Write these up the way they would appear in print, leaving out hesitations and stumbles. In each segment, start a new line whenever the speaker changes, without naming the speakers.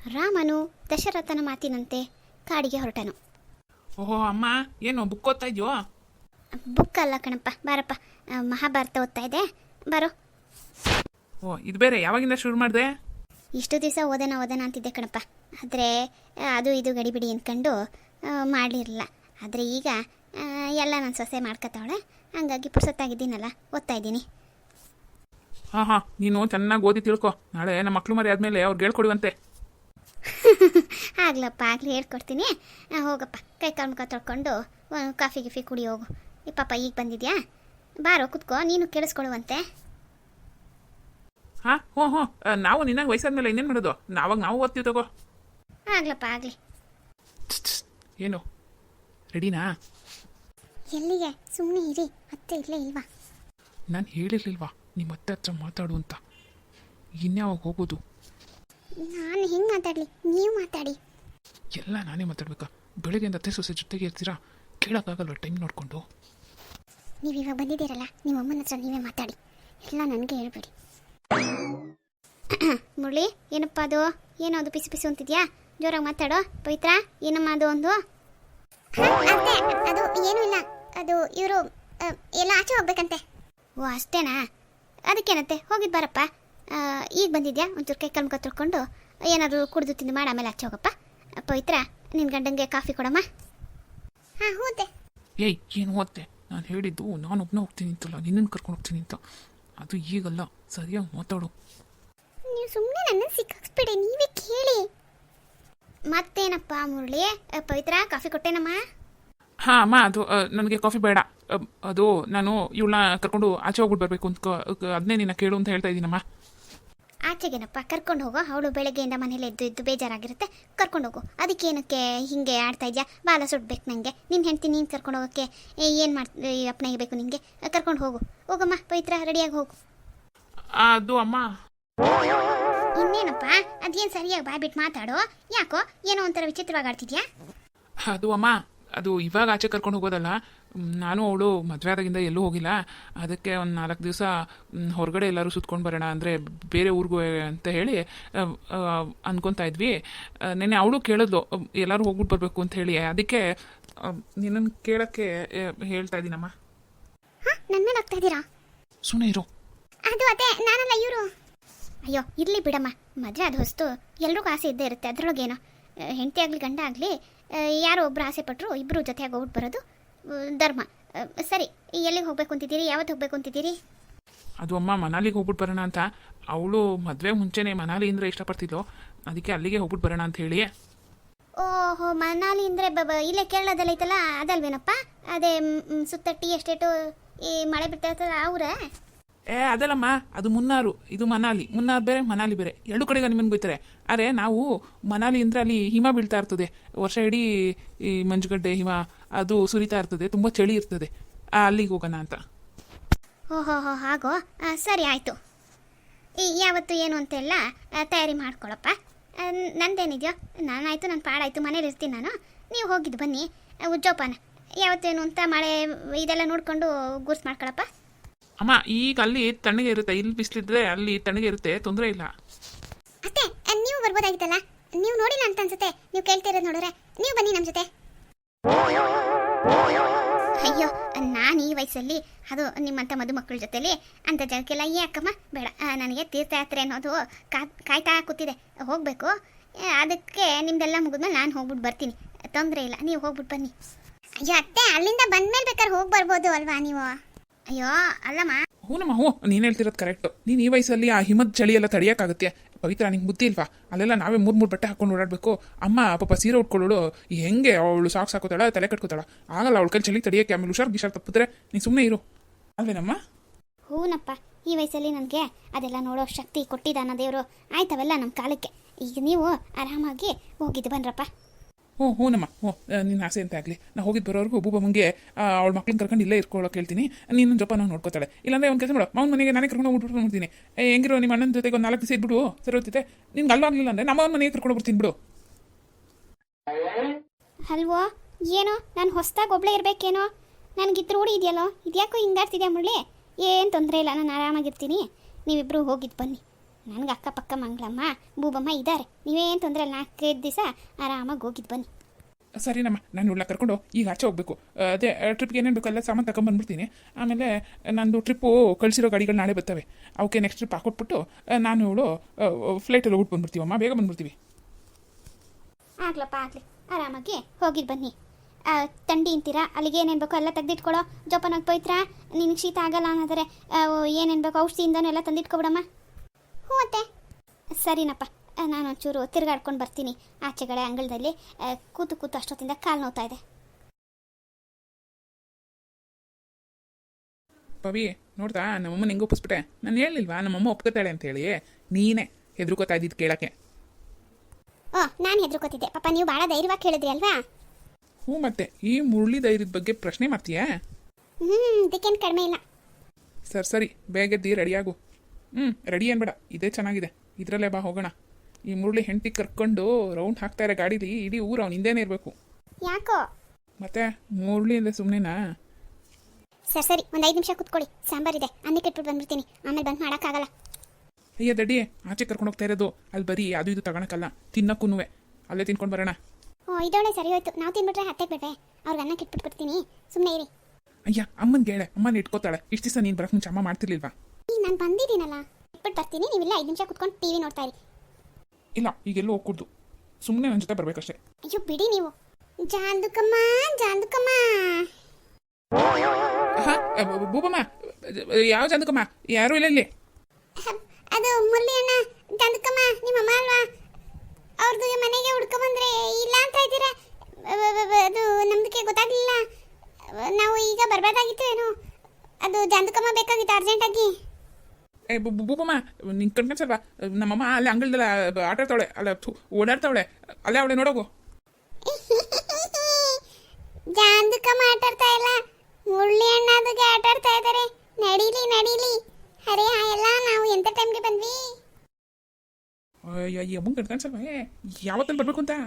ರಾಮನು ದಶರಥನ ಮಾತಿನಂತೆ ಕಾಡಿಗೆ ಹೊರಟನು.
ಓಹೋ ಅಮ್ಮ, ಏನು ಬುಕ್ ಓದ್ತಾ ಇದೆಯೋ?
ಬುಕ್ ಅಲ್ಲ ಕಣಪ್ಪ, ಬಾರಪ್ಪ, ಮಹಾಭಾರತ ಓದ್ತಾ ಇದೆ, ಬರೋ.
ಓ, ಇದು ಬೇರೆ ಯಾವಾಗಿಂದ ಶುರು ಮಾಡಿದೆ?
ಇಷ್ಟು ದಿವಸ ಓದೋಣ ಅಂತಿದ್ದೆ ಕಣಪ್ಪ, ಆದರೆ ಅದು ಇದು ಗಡಿಬಿಡಿ ಅಂದ್ಕೊಂಡು ಮಾಡಲಿರಲಿಲ್ಲ. ಆದರೆ ಈಗ ಎಲ್ಲ ನನ್ನ ಸೊಸೆ ಮಾಡ್ಕೊತಾವಳೆ, ಹಂಗಾಗಿ ಪುರ್ಸೊತ್ತಾಗಿದ್ದೀನಲ್ಲ, ಓದ್ತಾ ಇದ್ದೀನಿ.
ಹಾಂ, ನೀನು ಚೆನ್ನಾಗಿ ಓದಿ ತಿಳ್ಕೊ. ನಾಳೆ ನಮ್ಮ ಮಕ್ಳು ಮರಿ ಆದಮೇಲೆ ಅವ್ರಿಗೆ ಹೇಳ್ಕೊಡುವಂತೆ.
ಆಗ್ಲಪ್ಪ, ಆಗಲಿ ಹೇಳ್ಕೊಡ್ತೀನಿ. ಹೋಗಪ್ಪ, ಕೈ ಕಾಲು ಮುಖ ತೊಳ್ಕೊಂಡು ಕಾಫಿ ಗಿಫಿ ಕುಡಿ ಹೋಗು. ಈ ಪಾಪ ಈಗ ಬಂದಿದ್ಯಾ, ಬಾರೋ ಕುತ್ಕೋ, ನೀನು ಕೇಳಿಸ್ಕೊಳ್ಳುವಂತೆ.
ಹಾಂ, ಹ್ಞೂ, ನಾವು ನಿನ್ನಾಗ ವಯಸ್ಸಾದ್ಮೇಲೆ ಇನ್ನೇನು ಮಾಡೋದು? ನಾವು ಓದ್ತೀವಿ ತಗೋ.
ಆಗ್ಲಪ್ಪ, ಆಗಲಿ.
ಏನು ರೆಡಿನಾ?
ಎಲ್ಲಿಗೆ? ಸುಮ್ಮನೆ ಇರಿ, ಅತ್ತೆ ಇಲ್ಲೇ ಇಲ್ವಾ?
ನಾನು ಹೇಳಿರ್ಲಿಲ್ವಾ ನಿಮ್ಮ ಅತ್ತೆ ಹತ್ರ ಮಾತಾಡು ಅಂತ? ಇನ್ಯಾವಾಗ ಹೋಗೋದು?
ನಾನು ಹೆಂಗೆ ಮಾತಾಡಲಿ, ನೀವು ಮಾತಾಡಿ.
ಎಲ್ಲ ನಾನೇ ಮಾತಾಡ್ಬೇಕಾ? ಬೆಳಗ್ಗೆಯಿಂದ ಅತ್ತೆ ಸೊಸೆ ಜೊತೆಗೆ ಇರ್ತೀರಾ? ಕೇಳೋಕ್ಕಾಗಲ್ವ ಟೈಮ್ ನೋಡಿಕೊಂಡು?
ನೀವು ಇವಾಗ ಬಂದಿದ್ದೀರಲ್ಲ, ನಿಮ್ಮ ಅಮ್ಮನ ಹತ್ರ ನೀವೇ ಮಾತಾಡಿ, ಎಲ್ಲ ನನಗೆ ಹೇಳ್ಬೇಡಿ. ಮುರಳಿ, ಏನಪ್ಪ ಅದು? ಏನೋ ಅದು ಪಿಸು ಪಿಸು ಅಂತಿದ್ಯಾ? ಜೋರಾಗಿ ಮಾತಾಡೋ. ಪವಿತ್ರ, ಏನಮ್ಮ ಅದು ಒಂದು? ಅದು ಏನೂ ಇಲ್ಲ, ಅದು ಇವರು ಎಲ್ಲ ಆಚೆ ಹೋಗ್ಬೇಕಂತೆ. ಓ, ಅಷ್ಟೇನಾ? ಅದಕ್ಕೇನಂತೆ, ಹೋಗಿದ್ದು ಬಾರಪ್ಪ. ಈಗ ಬಂದಿದ್ಯಾ? ಒಂಚೂರು ಕೈ ಕಲ್ಮುಖ ತೊಳ್ಕೊಂಡು ಏನಾದರೂ ಕುಡಿದು ತಿಂದು ಮಾಡಿ ಆಮೇಲೆ ಆಚೆ ಹೋಗಪ್ಪ. ಪವಿತ್ರ, ನಿನ್ನ ಗಂಡಂಗೆ ಕಾಫಿ ಕೊಡಮ್ಮ. ಹಾಂ, ಹೋದೆ.
ಏಯ್, ಏನು ಓದ್ತೆ? ನಾನು ಹೇಳಿದ್ದು ನಾನು ಒಬ್ಬನೇ ಹೋಗ್ತೀನಿ ಅಂತಲ್ಲ, ನಿನ್ನನ್ನು ಕರ್ಕೊಂಡು ಹೋಗ್ತೀನಿ ಅಂತ. ಅದು ಈಗಲ್ಲ, ಸರಿಯಾಗಿ ಮಾತಾಡು.
ನೀವು ಸುಮ್ಮನೆ ನನ್ನ ಸಿಕ್ಕಿಸ್ಬಿಡಿ, ನೀವೇ ಕೇಳಿ. ಮತ್ತೇನಪ್ಪ ಮುರಳಿ? ಪವಿತ್ರ, ಕಾಫಿ ಕೊಟ್ಟೇನಮ್ಮ?
ಹಾಂ ಅಮ್ಮ, ಅದು ನನಗೆ ಕಾಫಿ ಬೇಡ. ಅದು ನಾನು ಇವಳನ್ನ ಕರ್ಕೊಂಡು ಆಚೆ ಹೋಗ್ಬಿಟ್ಟು ಬರಬೇಕು ಅಂತ ಅದನ್ನೇ ನಿನ್ನ ಕೇಳು ಅಂತ ಹೇಳ್ತಾ ಇದ್ದೀನಮ್ಮ.
ಆಚೆಗೇನಪ್ಪ ಕರ್ಕೊಂಡು ಹೋಗೋ? ಅವಳು ಬೆಳಗ್ಗೆಯಿಂದ ಮನೇಲಿ ಎದ್ದು ಬೇಜಾರಾಗಿರುತ್ತೆ, ಕರ್ಕೊಂಡು ಹೋಗು. ಅದಕ್ಕೇನಕ್ಕೆ ಹಿಂಗೆ ಆಡ್ತಾ ಇದೆಯಾ? ಬಾಲ ಸುಡ್ಬೇಕು ನನಗೆ. ನಿನ್ನ ಹೆಂಡ್ತಿ ನೀನು ಕರ್ಕೊಂಡು ಹೋಗೋಕ್ಕೆ ಏನು ಅಪ್ಪನಾಗೆ ಬೇಕು ನಿನಗೆ? ಕರ್ಕೊಂಡು ಹೋಗಮ್ಮ ಪವಿತ್ರ, ರೆಡಿಯಾಗಿ ಹೋಗು.
ಅದು ಅಮ್ಮ,
ಇನ್ನೇನಪ್ಪ, ಅದೇನು ಸರಿಯಾಗಿ ಬಾಯ್ಬಿಟ್ಟು ಮಾತಾಡೋ. ಯಾಕೋ ಏನೋ ಒಂಥರ ವಿಚಿತ್ರವಾಗಿ ಆಡ್ತಿದ್ಯಾ?
ಅದು ಅಮ್ಮ, ಅದು ಇವಾಗ ಆಚೆ ಕರ್ಕೊಂಡು ಹೋಗೋದಲ್ಲ. ನಾನು ಅವಳು ಮದುವೆ ಆದಾಗಿಂದ ಎಲ್ಲೂ ಹೋಗಿಲ್ಲ. ಅದಕ್ಕೆ ಒಂದು 4 ದಿವಸ ಹೊರಗಡೆ ಎಲ್ಲರೂ ಸುತ್ಕೊಂಡು ಬರೋಣ, ಅಂದರೆ ಬೇರೆ ಊರಿಗೂ ಅಂತ ಹೇಳಿ ಅಂದ್ಕೊತಾ ಇದ್ವಿ. ನೆನ್ನೆ ಅವಳು ಕೇಳಿದ್ಲು ಎಲ್ಲರೂ ಹೋಗ್ಬಿಟ್ಟು ಬರಬೇಕು ಅಂತ ಹೇಳಿ. ಅದಕ್ಕೆ ನಿನ್ನನ್ನು ಕೇಳೋಕ್ಕೆ ಹೇಳ್ತಾ ಇದ್ದೀನಮ್ಮ.
ಹಾಂ, ನನ್ನ ಮೇಲೆ ಹೋಗ್ತಾ ಇದ್ದೀರಾ?
ಸುಮ್ಮನೆ ಇರು.
ಅದು ಅದೇ ನಾನಲ್ಲ, ಇವರು. ಅಯ್ಯೋ, ಇರಲಿ ಬಿಡಮ್ಮ, ಮದುವೆ ಅದು ಹೊಸ್ತು, ಎಲ್ರಿಗೂ ಆಸೆ ಇದ್ದೇ ಇರುತ್ತೆ. ಅದರೊಳಗೇನೋ, ಹೆಂಡತಿ ಆಗಲಿ ಗಂಡ ಆಗಲಿ, ಯಾರೋ ಒಬ್ಬರು ಆಸೆ ಪಟ್ಟರು ಇಬ್ಬರು ಜೊತೆಯಾಗಿ ಹೋಗ್ಬಿಟ್ಟು ಬರೋದು ಧರ್ಮ. ಸರಿ, ಎಲ್ಲಿಗೆ ಹೋಗ್ಬೇಕು ಅಂತಿದ್ದೀರಿ? ಯಾವತ್ತು ಹೋಗ್ಬೇಕು ಅಂತಿದ್ದೀರಿ?
ಅದು ಅಮ್ಮ, ಮನಾಲಿಗೆ ಹೋಗ್ಬಿಟ್ಟು ಬರೋಣ ಅಂತ. ಅವಳು ಮದುವೆ ಮುಂಚೆನೇ ಮನಾಲಿ ಅಂದರೆ ಇಷ್ಟಪಡ್ತಿದ್ಲು, ಅದಕ್ಕೆ ಅಲ್ಲಿಗೆ ಹೋಗ್ಬಿಟ್ಟು ಬರೋಣ ಅಂತ ಹೇಳಿ.
ಓಹೋ, ಮನಾಲಿ ಅಂದರೆ ಇಲ್ಲೇ ಕೇರಳದಲ್ಲಿ ಐತಲ್ಲ, ಅದಲ್ವೇನಪ್ಪ? ಅದೇ ಸುತ್ತ ಟೀ ಎಸ್ಟೇಟು, ಈ ಮಳೆ ಬಿಡ್ತಾ ಇರ್ತಲ್ಲ ಅವರೇ?
ಅದಲ್ಲಮ್ಮ, ಅದು ಮುನ್ನಾರು, ಇದು ಮನಾಲಿ. ಮುನ್ನಾರು ಬೇರೆ, ಮನಾಲಿ ಬೇರೆ, ಎರಡು ಕಡೆಗೆ ನಿಮ್ಮನ್ನು ಬೈತಾರೆ. ಆದರೆ ನಾವು ಮನಾಲಿ ಅಂದರೆ ಅಲ್ಲಿ ಹಿಮ ಬೀಳ್ತಾ ಇರ್ತದೆ, ವರ್ಷ ಇಡೀ ಈ ಮಂಜುಗಡ್ಡೆ ಹಿಮ ಅದು ಸುರಿತಾ ಇರ್ತದೆ, ತುಂಬ ಚಳಿ ಇರ್ತದೆ. ಅಲ್ಲಿಗೆ ಹೋಗೋಣ ಅಂತ.
ಓಹೋ, ಹಾಗೋ, ಸರಿ ಆಯಿತು. ಯಾವತ್ತು ಏನು ಅಂತೆಲ್ಲ ತಯಾರಿ ಮಾಡ್ಕೊಳಪ್ಪ. ನಂದೇನಿದೆಯೋ, ನಾನಾಯಿತು, ನನ್ನ ಪಾಡಾಯಿತು, ಮನೇಲಿ ಇರ್ತೀನಿ ನಾನು. ನೀವು ಹೋಗಿದ್ದು ಬನ್ನಿ. ಉಜ್ಜೋಪಾನ ಯಾವತ್ತೇನು ಅಂತ ಮಳೆ ಇದೆಲ್ಲ ನೋಡಿಕೊಂಡು ಗುರ್ಸ್ ಮಾಡ್ಕೊಳಪ್ಪ.
ಅಮ್ಮ, ಈಗ ಅಲ್ಲಿ ತಣ್ಣಗೆ ಇರುತ್ತೆ, ಇಲ್ಲಿ ಬಿಸಿಲಿದ್ರೆ ಅಲ್ಲಿ ತಣ್ಣಗೆ ಇರುತ್ತೆ, ತೊಂದರೆ ಇಲ್ಲ.
ಅತ್ತೆ, ನೀವು ಬರ್ಬೋದಾಗಿತ್ತಲ್ಲ, ನೀವು ನೋಡಿಲ್ಲ ಅಂತ ಅನ್ಸುತ್ತೆ. ನೀವು ಕೇಳ್ತಿರೋದು ನೋಡಿದ್ರೆ ನೀವು ಬನ್ನಿ ನಮ್ಮ ಜೊತೆ. ಅಯ್ಯೋ, ನಾನು ಈ ವಯಸ್ಸಲ್ಲಿ ಅದು ನಿಮ್ಮಂಥ ಮದುಮಕ್ಕಳ ಜೊತೆಲಿ ಅಂಥ ಜಾಗಕ್ಕೆಲ್ಲ ಯಾಕಮ್ಮ? ಬೇಡ, ನನಗೆ ತೀರ್ಥಯಾತ್ರೆ ಅನ್ನೋದು ಕಾಯ್ತಾ ಕೂತಿದೆ, ಹೋಗಬೇಕು. ಅದಕ್ಕೆ ನಿಮ್ದೆಲ್ಲ ಮುಗಿದ್ಮೇಲೆ ನಾನು ಹೋಗ್ಬಿಟ್ಟು ಬರ್ತೀನಿ, ತೊಂದರೆ ಇಲ್ಲ, ನೀವು ಹೋಗ್ಬಿಟ್ಟು ಬನ್ನಿ. ಅಯ್ಯೋ ಅತ್ತೆ, ಅಲ್ಲಿಂದ ಬಂದ್ಮೇಲೆ ಬೇಕಾದ್ರೆ ಹೋಗಿ ಬರ್ಬೋದು ಅಲ್ವಾ ನೀವು? ಅಯ್ಯೋ ಅಲ್ಲಮ್ಮ.
ಹ್ಞೂನಮ್ಮ, ನೀನು ಹೇಳ್ತಿರೋದು ಕರೆಕ್ಟು. ನೀನು ಈ ವಯಸ್ಸಲ್ಲಿ ಆ ಹಿಮದ ಚಳಿ ಎಲ್ಲ ತಡೆಯೋಕ್ಕಾಗುತ್ತೆ? ಪವಿತ್ರ, ನಿಂಗೆ ಬುದ್ಧಿ ಇಲ್ವಾ? ಅಲ್ಲೆಲ್ಲ ನಾವೇ 3 ಬಟ್ಟೆ ಹಾಕೊಂಡು ಓಡಾಡಬೇಕು. ಅಮ್ಮ ಪಾಪ ಸೀರೆ ಉಟ್ಕೊಳ್ಳೋಳು ಹೆಂಗೆ ಅವಳು ಸಾಕ್ಸ್ ಹಾಕೋತಾಳ, ತಲೆ ಕಟ್ಕೋತಾಳ, ಆಗಲ್ಲ ಅವಳ ಕೈ ಚಳಿ ತಡೆಯೋಕ್ಕೆ. ಆಮೇಲೆ ಹುಷಾರು ತಪ್ಪಿದ್ರೆ ನೀನು ಸುಮ್ಮನೆ ಇರು, ಅಲ್ವೇನಮ್ಮ?
ಹೂನಪ್ಪ, ಈ ವಯಸ್ಸಲ್ಲಿ ನನಗೆ ಅದೆಲ್ಲ ನೋಡೋ ಶಕ್ತಿ ಕೊಟ್ಟಿದ್ದಾನ ದೇವರು. ಆಯ್ತವೆಲ್ಲ ನಮ್ಮ ಕಾಲಕ್ಕೆ. ಈಗ ನೀವು ಆರಾಮಾಗಿ ಹೋಗಿದ್ದು ಬನ್ರಪ್ಪ.
ಹ್ಞೂನಮ್ಮ, ನಿನ್ನ ಆಸೆ ಅಂತ ಆಗಲಿ. ನಾ ಹೋಗಿದ್ದು ಬರೋರ್ಗು ಒಬ್ಬೊಬ್ಬಂಗೆ ಅವಳ ಮಕ್ಳನ್ನ ಕರ್ಕೊಂಡು ಇಲ್ಲೇ ಇರ್ಕೊಳ್ಳೋಕೆ ಹೇಳ್ತೀನಿ. ನೀನು ಜೊಪ ನಾವು ನೋಡ್ಕೋತಾಳೆ. ಇಲ್ಲಾಂದರೆ ಒಂದು ಕೆಲಸ ಮಾಡು, ಮಾವನ ಮನೆಗೆ ನಾನೇ ಕರ್ಕೊಂಡು ಹೋಗ್ಬಿಟ್ಟು ನೋಡ್ತೀನಿ. ಹೆಂಗಿರೋ ನಿಮ್ಮ ಅಣ್ಣನ ಜೊತೆಗೆ ಒಂದು 4 ದಿವಸ ಇದ್ಬಿಡು, ಸರಿ ಹೋಗ್ತಿದ್ದೆ. ನಿನ್ಗೆ ಅಲ್ವಾಗಲಿಲ್ಲ ಅಂದರೆ ನಮ್ಮ ಮನೆಗೆ ಕರ್ಕೊಂಡು ಬರ್ತೀನಿ ಬಿಡು.
ಅಲ್ವೋ ಏನೋ, ನಾನು ಹೊಸ್ದಾಗಿ ಒಬ್ಳೇ ಇರಬೇಕೇನೋ? ನನಗಿದ್ದು ರೂಢಿ ಇದೆಯಲ್ಲೋ, ಇದ್ಯಾಕೋ ಹಿಂಗಾಡ್ತಿದ್ಯಾ ಮುರಳಿ? ಏನು ತೊಂದರೆ ಇಲ್ಲ, ನಾನು ಆರಾಮಾಗಿರ್ತೀನಿ. ನೀವಿಬ್ಬರು ಹೋಗಿದ್ದು ಬನ್ನಿ. ನನಗೆ ಅಕ್ಕಪಕ್ಕ ಮಂಗಳಮ್ಮ ಬೂಬಮ್ಮ ಇದ್ದಾರೆ, ನೀವೇನು ತೊಂದರೆ ಇಲ್ಲ. 4-5 ದಿವಸ ಆರಾಮಾಗಿ ಹೋಗಿದ್ದು ಬನ್ನಿ.
ಸರಿನಮ್ಮ, ನಾನು ಉಳ್ಳ ಕರ್ಕೊಂಡು ಈಗ ಆಚೆ ಹೋಗಬೇಕು. ಅದೇ ಟ್ರಿಪ್ಗೆ ಏನೇನು ಬೇಕಲ್ಲ ಸಾಮಾನು ತಗೊಂಬಂದ್ಬಿಡ್ತೀನಿ. ಆಮೇಲೆ ನಂದು ಟ್ರಿಪ್ಪು ಕಳಿಸಿರೋ ಗಾಡಿಗಳು ನಾಳೆ ಬರ್ತವೆ. ಅವಕ್ಕೆ ನೆಕ್ಸ್ಟ್ ಟ್ರಿಪ್ ಹಾಕೊಟ್ಬಿಟ್ಟು ನಾನು ಇವಳು ಫ್ಲೈಟಲ್ಲಿ ಹೋಗ್ಬಿಟ್ಟು ಬಂದ್ಬಿಡ್ತೀವಮ್ಮ, ಬೇಗ ಬಂದ್ಬಿಡ್ತೀವಿ.
ಆಗ್ಲಪ್ಪ ಆಗಲಿ, ಆರಾಮಾಗಿ ಹೋಗಿದ್ದು ಬನ್ನಿ. ತಂಡಿ ಅಂತೀರಾ, ಅಲ್ಲಿಗೆ ಏನೇನು ಬೇಕೋ ಎಲ್ಲ ತೆಗೆದಿಟ್ಕೊಡೋ. ಜೋಪಾನಾಗಿ ಪೋಯ್ತ್ರ, ನಿನಗೆ ಶೀತ ಆಗಲ್ಲ ಅನ್ನೋದರೆ ಏನೇನು ಬೇಕೋ ಔಷಧಿಯಿಂದನೂ ಎಲ್ಲ ತಂದಿಟ್ಕೊಬಿಡಮ್ಮ. ಹ್ಞೂ ಅತ್ತೆ. ಸರಿನಪ್ಪ, ನಾನು ಒಂಚೂರು ತಿರುಗಾಡ್ಕೊಂಡು ಬರ್ತೀನಿ ಆಚೆಗಡೆ ಅಂಗಳದಲ್ಲಿ. ಕೂತು ಕೂತು ಅಷ್ಟೊತ್ತಿಂದ ಕಾಲು ನೋವ್ತಾ ಇದೆ.
ಪವಿ ನೋಡ್ತಾ, ನಮ್ಮಮ್ಮನ ಹೆಂಗೆ ಒಪ್ಪಿಸ್ಬಿಟ್ಟೆ. ನಾನು ಹೇಳಿಲ್ವಾ ನಮ್ಮಮ್ಮ ಒಪ್ಕೋತಾಳೆ ಅಂತೇಳಿ? ನೀನೇ ಹೆದರ್ಕೋತಾ ಇದ್ದಿದ್ದು ಕೇಳೋಕ್ಕೆ.
ಓ, ನಾನು ಹೆದರ್ಕೋತಿದ್ದೆ ಪಾಪ, ನೀವು ಭಾಳ ಧೈರ್ಯವಾಗಿ ಕೇಳಿದ್ರಿ ಅಲ್ವಾ?
ಹ್ಞೂ, ಮತ್ತೆ ಈ ಮುರಳಿ ಧೈರ್ಯದ ಬಗ್ಗೆ ಪ್ರಶ್ನೆ ಮಾಡ್ತೀಯಾ?
ಇದಕ್ಕೇನು ಕಡಿಮೆ ಇಲ್ಲ.
ಸರಿ ಬೇಗದ್ದಿ ರೆಡಿಯಾಗು. ರೆಡಿ ಏನು ಬೇಡ, ಇದೇ ಚೆನ್ನಾಗಿದೆ, ಇದರಲ್ಲೇ ಬಾ ಹೋಗೋಣ. ಈ ಮುರಳಿ ಹೆಂಡತಿ ಕರ್ಕೊಂಡು ರೌಂಡ್ ಹಾಕ್ತಾರೆ ಗಾಡೀಲಿ, ಇಡೀ ಊರು ಅವ್ನು ಹಿಂದೇನೆ ಇರಬೇಕು.
ಯಾಕೋ
ಮತ್ತೆ ಮುರಳಿ ಅಂದರೆ ಸುಮ್ಮನೆನಾ?
ಸರಿ, ಒಂದು 5 ನಿಮಿಷ ಕುತ್ಕೊಳ್ಳಿ, ಸಾಂಬಾರಿದೆ, ಅನ್ನಕ್ಕೆ ಇಟ್ಬಿಟ್ಟು ಬಂದ್ಬಿಡ್ತೀನಿ, ಆಮೇಲೆ ಬಂದು ಮಾಡೋಕ್ಕಾಗಲ್ಲ.
ಅಯ್ಯ ದಡ್ಡಿ, ಆಚೆ ಕರ್ಕೊಂಡು ಹೋಗ್ತಾ ಇರೋದು, ಅಲ್ಲಿ ಬರೀ ಅದು ಇದು ತಗೊಳಕ್ಕಲ್ಲ, ತಿನ್ನಕ್ಕೂ ಅಲ್ಲೇ ತಿನ್ಕೊಂಡು ಬರೋಣ.
ಓ, ಇದೊಳ್ಳೆ ಸರಿ ಹೋಯ್ತು. ನಾವು ತಿನ್ಬಿಟ್ರೆ ಹತ್ತೆಗೆ ಬಿಡ್ವೆ, ಅವ್ರಿಗೆ ಅನ್ನಕ್ಕೆ ಇಟ್ಬಿಟ್ಬಿಡ್ತೀನಿ, ಸುಮ್ಮನೆ ಇರಿ.
ಅಯ್ಯ ಅಮ್ಮನಿಗೆ ಹೇಳೆ, ಅಮ್ಮನ ಇಟ್ಕೋತಾಳೆ. ಇಷ್ಟು ದಿವಸ ನೀನು ಬರೋಕ್ಕೆ ಮುಂಚೆ ಅಮ್ಮ ಮಾಡ್ತಿರ್ಲಿಲ್ವಾ?
ಈಗ ನಾನು ಬಂದಿದ್ದೀನಲ್ಲ, ಇಟ್ಬಿಟ್ಟು ಬರ್ತೀನಿ, ನೀವಿಲ್ಲ 5 ನಿಮಿಷ ಕುತ್ಕೊಂಡು ಟಿವಿ ನೋಡ್ತಾ ಇರಿ.
ಇಲ್ಲ, ಈಗೆಲ್ಲೂ ಹೋಗ್ಕೂಡ್ದು, ಸುಮ್ಮನೆ ನನ್ನ ಜೊತೆ ಬರಬೇಕಷ್ಟೇ.
ಅಯ್ಯೋ ಬಿಡಿ ನೀವು. ಜಾಂದುಕಮ್ಮ ಜಾಂದುಕಮ್ಮ.
ಬೂಬಮ್ಮ, ಯಾವ ಚಂದಕಮ್ಮ? ಯಾರೂ ಇಲ್ಲ ಇಲ್ಲಿ.
ಅದು ಮುರಳಿ ಅಣ್ಣ, ಜಾಂದುಕಮ್ಮ ನಿಮ್ಮ ಅಮ್ಮ ಅಲ್ವಾ? ಅವ್ರದ್ದು ಮನೆಗೆ ಹುಡ್ಕೊಂಬಂದ್ರೆ ಇಲ್ಲ ಅಂತ ಇದ್ದೀರಾ? ಅದು ನಮ್ದಕ್ಕೆ ಗೊತ್ತಾಗಲಿಲ್ಲ, ನಾವು ಈಗ ಬರಬೇಕಾಗಿತ್ತು ಏನೋ. ಅದು ಜಾಂದುಕಮ್ಮ ಬೇಕಾಗಿತ್ತು ಅರ್ಜೆಂಟಾಗಿ.
ಬೂಬಮ್ಮ, ನಿಂಗೆ ಕಣ್ಕನ್ಸಲ್ವಾ? ನಮ್ಮಮ್ಮ ಅಲ್ಲಿ ಅಂಗಳದಲ್ಲ ಆಟ ಆಡ್ತಾವಳೆ, ಅಲ್ಲ ಓಡಾಡ್ತಾವಳೆ, ಅಲ್ಲೇ ಅವಳೆ ನೋಡೋಗು.
ಜಾಂದುಕಮ್ಮ ಆಟಾಡ್ತಾ ಇಲ್ಲ, ಮುರಳಿ ಅಣ್ಣದಿಗೆ ಆಟಾಡ್ತಾ ಇದ್ದಾರೆ. ನಡೀಲಿ ನಡೀಲಿ. ಅರೆ ಎಲ್ಲ ನಾವು ಎಂತ ಟೈಮ್ಗೆ ಬಂದ್ವಿ?
ಅಯ್ಯ ಅಮ್ಮಂಗೆ ಕಣ್ಕನ್ಸಲ್ವಾ ಯಾವತ್ತಲ್ಲಿ ಬರಬೇಕು ಅಂತ?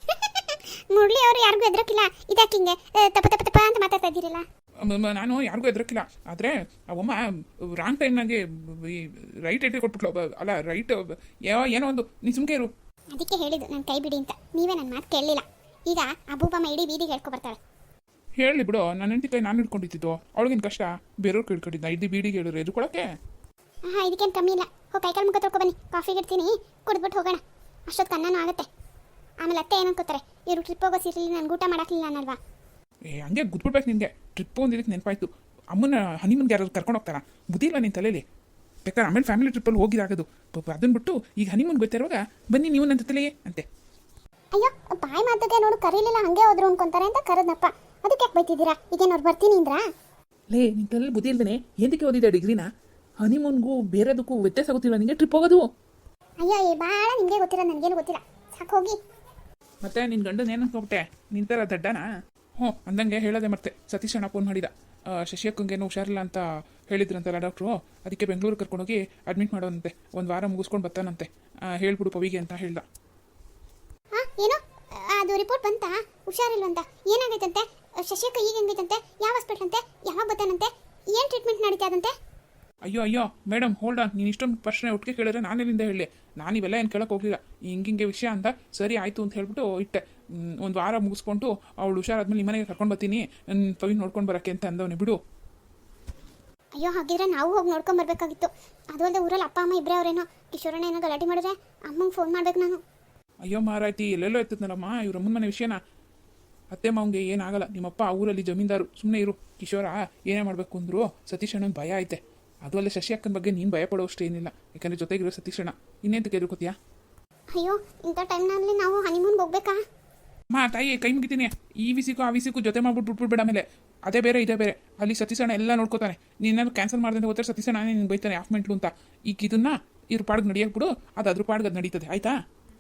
ಮುರಳಿ ಅವರು ಯಾರಿಗೂ ಎದ್ರಕ್ಕಿಲ್ಲ, ಇದಾಕಿಂಗೆ ತಪ್ಪ ತಪ್ಪ ತಪ್ಪ ಅಂತ ಮಾತಾಡ್ತಾ ಇದ್ದೀರಲ್ಲ.
ನಾನು ಯಾರಿಗೂ ಎದ್ರಕ್ಕಿಲ್ಲ, ಆದರೆ ಅವಮ್ಮ ರಾಂಗ್ ಟೈಮ್ನಾಗೆ ರೈಟ್ ಐಟಿ ಕೊಟ್ಬಿಟ್ಲು. ಅಲ್ಲ ರೈಟ್ ಏನೋ ಒಂದು, ನೀ ಸುಮ್ಕೆ ಇರು.
ಅದಕ್ಕೆ ಹೇಳಿದ್ದು ನಾನು ಕೈ ಬಿಡಿ ಅಂತ, ನೀವೇ ನನ್ನ ಮಾತು ಕೇಳಲಿಲ್ಲ. ಈಗ ಅಬೂಬಮ್ಮ ಇಡೀ ಬೀದಿಗೆ ಹೇಳ್ಕೊ ಬರ್ತಾಳೆ.
ಹೇಳಿ ಬಿಡು, ನನ್ನ ಹೆಂಡತಿ ಕೈ ನಾನು ಹಿಡ್ಕೊಂಡಿದ್ದು, ಅವಳಿಗೇನು ಕಷ್ಟ? ಬೇರೆಯವ್ರು ಹಿಡ್ಕೊಂಡಿದ್ದ ಇಡೀ ಬೀಡಿಗೆ ಹೇಳಿದ್ರೆ ಎದುರ್ಕೊಳಕ್ಕೆ?
ಹಾಂ, ಇದಕ್ಕೇನು ಕಮ್ಮಿ ಇಲ್ಲ. ಹೋಗಿ ಕೈಕಾಲು ಮುಖ ತೊಳ್ಕೊ ಬನ್ನಿ, ಕಾಫಿಗೆ ಇಡ್ತೀನಿ, ಕುಡಿದ್ಬಿಟ್ಟು ಹೋಗೋಣ. ಅಷ್ಟೊತ್ತು ಅನ್ನನೂ ಆಗುತ್ತೆ. ಆಮೇಲೆ ಅತ್ತೆ ಏನು ಅನ್ಕೋತಾರೆ, ಇವರು ಟ್ರಿಪ್ ಹೋಗೋ ಸೀರಿಯಲ್ ನನಗೆ ಊಟ ಮಾಡಾಕಲಿಲ್ಲ ಅನ್ನಲ್ವಾ?
ಹಂಗೆ ಗುದ್ಬಿಡ್ಬೇಕು ನಿನಗೆ. ಟ್ರಿಪ್ ಒಂದಿದ್ದಕ್ಕೆ ನೆನಪಾಯ್ತು, ಅಮ್ಮನ ಹನಿಮನ್ಗೆ ಯಾರಾದ್ರು ಕರ್ಕೊಂಡು ಹೋಗ್ತಾರಾ? ಬುದ್ಧಿ ಇಲ್ಲ ನಿನ್ನ ತಲೆಯಲ್ಲಿ. ಬೇಕಾದ್ರೆ ಆಮೇಲೆ ಫ್ಯಾಮಿಲಿ ಟ್ರಿಪ್ಪಲ್ಲಿ ಹೋಗಿದಾಗೋದು, ಅದನ್ನ ಬಿಟ್ಟು ಈಗ ಹನಿಮೂನ್ ಗೊತ್ತಿರುವಾಗ ಬನ್ನಿ ನೀವು ನನ್ನ ಜೊತೆಲೇ ಅಂತೆ.
ಅಯ್ಯೋ, ಬಾಯಿ ಮಾತಕ್ಕೆ ನೋಡು, ಕರೀಲಿಲ್ಲ ಹಂಗೆ ಹೋದ್ರು ಅನ್ಕೊಂತಾರೆ ಅಂತ ಕರೆದ್ನಪ್ಪ. ಅದಕ್ಕೆ ಯಾಕೆ ಬೈತಿದ್ದೀರಾ? ಈಗೇನವ್ರು ಬರ್ತೀನಿ ಅಂದ್ರಾ?
ಲೇ, ನಿನ್ನ ತಲೆಯಲ್ಲಿ ಬುದ್ಧಿ ಇಲ್ದೇನೆ ಎಂದಕ್ಕೆ ಓದಿದ್ದೆ ಡಿಗ್ರಿನ? ಹನಿಮೂನ್ಗೂ ಬೇರೆದಕ್ಕೂ ವ್ಯತ್ಯಾಸ ಗೊತ್ತಿಲ್ಲ ನಿಮಗೆ ಟ್ರಿಪ್ ಹೋಗೋದು?
ಅಯ್ಯೋ, ಭಾಳ ನಿಮಗೆ ಗೊತ್ತಿಲ್ಲ, ನನಗೇನು ಗೊತ್ತಿಲ್ಲ, ಸಾಕು ಹೋಗಿ.
ಮತ್ತೆ ನಿನ್ನ ಗಂಡನ ಏನು ಅನ್ಕೊಬಿಟ್ಟೆ? ನಿನ್ನ ಥರ ದಡ್ಡನಾ? ಹ್ಞೂ, ಅಂದಂಗೆ ಹೇಳೋದೆ ಮತ್ತೆ. ಸತೀಶ್ ಅಣ್ಣ ಫೋನ್ ಮಾಡಿದ, ಶಶಿಯಕ್ಕಂಗೇನು ಹುಷಾರಿಲ್ಲ ಅಂತ ಹೇಳಿದ್ರಂತಲ್ಲ ಡಾಕ್ಟ್ರು, ಅದಕ್ಕೆ ಬೆಂಗಳೂರು ಕರ್ಕೊಂಡೋಗಿ ಅಡ್ಮಿಟ್ ಮಾಡೋದಂತೆ, 1 ವಾರ ಮುಗಿಸ್ಕೊಂಡು ಬರ್ತಾನಂತೆ. ಹೇಳ್ಬಿಡು ಪವಿಗೆ ಅಂತ ಹೇಳ್ದ.
ಹಾಂ, ಏನು ಅದು ರಿಪೋರ್ಟ್ ಬಂತಾ? ಹುಷಾರಿಲ್ವಂತ? ಏನಾಗೈತಂತೆ? ಶಶಿಯಕ್ಕ ಈಗ ಹೆಂಗೈತಂತೆ? ಯಾವ ಹಾಸ್ಪಿಟ್ಲ್ ಅಂತೆ? ಯಾವಾಗ ಬರ್ತಾನಂತೆ? ಏನು ಟ್ರೀಟ್ಮೆಂಟ್ ನಡೀತಾ ಅದಂತೆ?
ಅಯ್ಯೋ ಮೇಡಮ್ ಹೋಲ್ಡ್ ಆನ್, ನೀನು ಇಷ್ಟೊಂದು ಪ್ರಶ್ನೆ ಒಟ್ಟಿಗೆ ಕೇಳಿದ್ರೆ ನಾನೆಲ್ಲಿಂದ ಹೇಳಿ? ನಾನು ಇವೆಲ್ಲ ಏನು ಕೇಳೋಕೆ ಹೋಗಲಿಲ್ಲ. ಹಿಂಗೆ ವಿಷಯ ಅಂತ ಸರಿ ಆಯಿತು ಅಂತ ಹೇಳ್ಬಿಟ್ಟು ಇಟ್ಟೆ. 1 ವಾರ ಮುಗಿಸ್ಕೊಂಡು ಅವಳು ಹುಷಾರಾದ್ಮೇಲೆ ನಿಮ್ಮ ಮನೆಗೆ ಕರ್ಕೊಂಡು ಬರ್ತೀನಿ, ಪವಿ ನೋಡ್ಕೊಂಡು ಬರೋಕ್ಕೆ ಅಂತ ಅಂದವನೇ ಬಿಡು.
ಅಯ್ಯೋ, ಹಾಗಿದ್ರೆ ನಾವು ಹೋಗಿ ನೋಡ್ಕೊಂಡು ಬರಬೇಕಾಗಿತ್ತು. ಅದು ಅಲ್ಲದೆ ಊರಲ್ಲಿ ಅಪ್ಪ ಅಮ್ಮ ಇಬ್ಬರೇ ಅವರೇನೋ. ಕಿಶೋರಣ್ಣ ಏನೋ ಗಲಾಟೆ ಮಾಡಿದ್ರೆ ಅಮ್ಮಂಗೆ ಫೋನ್ ಮಾಡ್ಬೇಕು ನಾನು.
ಅಯ್ಯೋ ಮಾರಾಯ್ತಿ, ಎಲ್ಲೆಲ್ಲೋ ಎತ್ತದ್ನಲ್ಲಮ್ಮ ಇವ್ರ ಅಮ್ಮನ ಮನೆ ವಿಷಯನ. ಅತ್ತೆ ಮಾವಂಗೆ ಏನಾಗಲ್ಲ, ನಿಮ್ಮಪ್ಪ ಆ ಊರಲ್ಲಿ ಜಮೀನ್ದಾರು, ಸುಮ್ಮನೆ ಇರು. ಕಿಶೋರ ಏನೇ ಮಾಡಬೇಕು ಅಂದ್ರು ಸತೀಶ್ ಅಣ್ಣನ ಭಯ ಐತೆ. ಅದು ಅಲ್ಲೇ ಶಶಿ ಅಕ್ಕನ ಬಗ್ಗೆ ನೀನು ಭಯ ಪಡೋಷ್ಟು ಏನಿಲ್ಲ, ಯಾಕಂದರೆ ಜೊತೆಗಿರೋ ಸತೀಶ್ ಅಣ್ಣ. ಇನ್ನೇಂತಕ್ಕೆ ಎದುರ್ಕೋತೀಯಾ?
ಅಯ್ಯೋ, ಇಂಥ ಟೈಮ್ನಲ್ಲಿ ನಾವು ಹನಿಮೂನ್ಗೆ ಹೋಗ್ಬೇಕಾ?
ತಾಯಿ ಕೈ ಮುಗಿತೀನಿ. ಈ ವಿಸಿಗೂ ಆ ವಿಸಿಗೂ ಜೊತೆ ಮಾಡ್ಬಿಟ್ಟು ಬಿಟ್ಬಿಡ್ಬೇಡ. ಆಮೇಲೆ ಅದೇ ಬೇರೆ ಇದೇ ಬೇರೆ. ಅಲ್ಲಿ ಸತೀಶ್ ಅಣ್ಣ ಎಲ್ಲ ನೋಡ್ಕೋತಾನೆ. ನೀನೇನು ಕ್ಯಾನ್ಸಲ್ ಮಾಡ್ದಂತೆ ಹೋದ್ರೆ ಸತೀಶ್ ಅಣ್ಣ ನಿನ್ಗೆ ಬೈತಾನೆ, ಆಫ್ ಮೆಂಟ್ಲು ಅಂತ. ಈಗ ಇದನ್ನ ಇವ್ರ ಪಾಡ್ಗೆ ನಡೆಯಕ್ಕೆ ಬಿಡು, ಅದು ಅದ್ರ ಪಾಡ್ಗೆ ಅದು ನಡೀತದೆ, ಆಯ್ತಾ?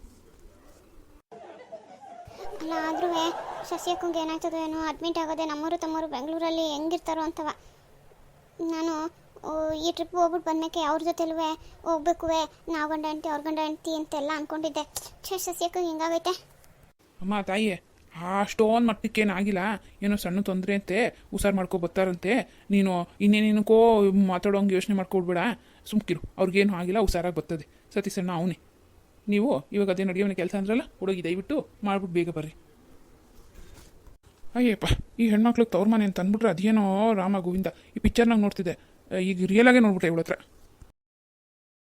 ಅಲ್ಲ, ಆದ್ರೂ ಶಶಿಯಕ್ಕಂಗೆ ಏನಾಯ್ತದೋ ಏನೋ, ಅಡ್ಮಿಟ್ ಆಗೋದೆ. ನಮ್ಮವರು ತಮ್ಮವರು ಬೆಂಗಳೂರಲ್ಲಿ ಹೆಂಗಿರ್ತಾರೋ ಅಂತವ. ನಾನು ಈ ಟ್ರಿಪ್ ಹೋಗ್ಬಿಟ್ಟು ಬಂದಮೇಲೆ ಅವ್ರ ಜೊತೆಲೂ ಹೋಗ್ಬೇಕು, ನಾವು ಗಂಡ ಹೆಂಡ್ತಿ ಅವ್ರ ಗಂಡ ಹೆಂಡ್ತಿ ಅಂತೆಲ್ಲ ಅಂದ್ಕೊಂಡಿದ್ದೆ. ಶಶಿಯಕ್ಕಂಗೆ ಹಿಂಗಾಗೈತೆ.
ಅಮ್ಮ ತಾಯಿ, ಅಷ್ಟೊಂದು ಮಟ್ಟಕ್ಕೇನಾಗಿಲ್ಲ, ಏನೋ ಸಣ್ಣ ತೊಂದರೆ ಅಂತೆ, ಹುಷಾರು ಮಾಡ್ಕೊ ಬರ್ತಾರಂತೆ. ನೀನು ಇನ್ನೇನೇನಕ್ಕೋ ಮಾತಾಡೋಂಗೆ ಯೋಚನೆ ಮಾಡ್ಕೊಡ್ಬೇಡ, ಸುಮ್ಕಿರು. ಅವ್ರಿಗೇನು ಆಗಿಲ್ಲ, ಹುಷಾರಾಗಿ ಬರ್ತದೆ. ಸತೀಶಣ್ಣ ಅವನೇ. ನೀವು ಇವಾಗ ಅದೇ ನಡೆಯೋನ ಕೆಲಸ ಅಂದ್ರಲ್ಲ, ಹುಡುಗಿ ದಯವಿಟ್ಟು ಮಾಡ್ಬಿಟ್ಟು ಬೇಗ ಬರ್ರಿ. ಅಯ್ಯಪ್ಪ, ಈ ಹೆಣ್ಮಕ್ಳಿಗೆ ತವ್ರ ಮನೆ ಅಂತ ಅಂದ್ಬಿಟ್ರೆ ಅದೇನೋ ರಾಮ ಗೋವಿಂದ ಈ ಪಿಕ್ಚರ್ನಾಗ ನೋಡ್ತಿದ್ದೆ, ಈಗ ರಿಯಲಾಗೇ ನೋಡ್ಬಿಟ್ಟೆ ಇವಳ ಹತ್ರ.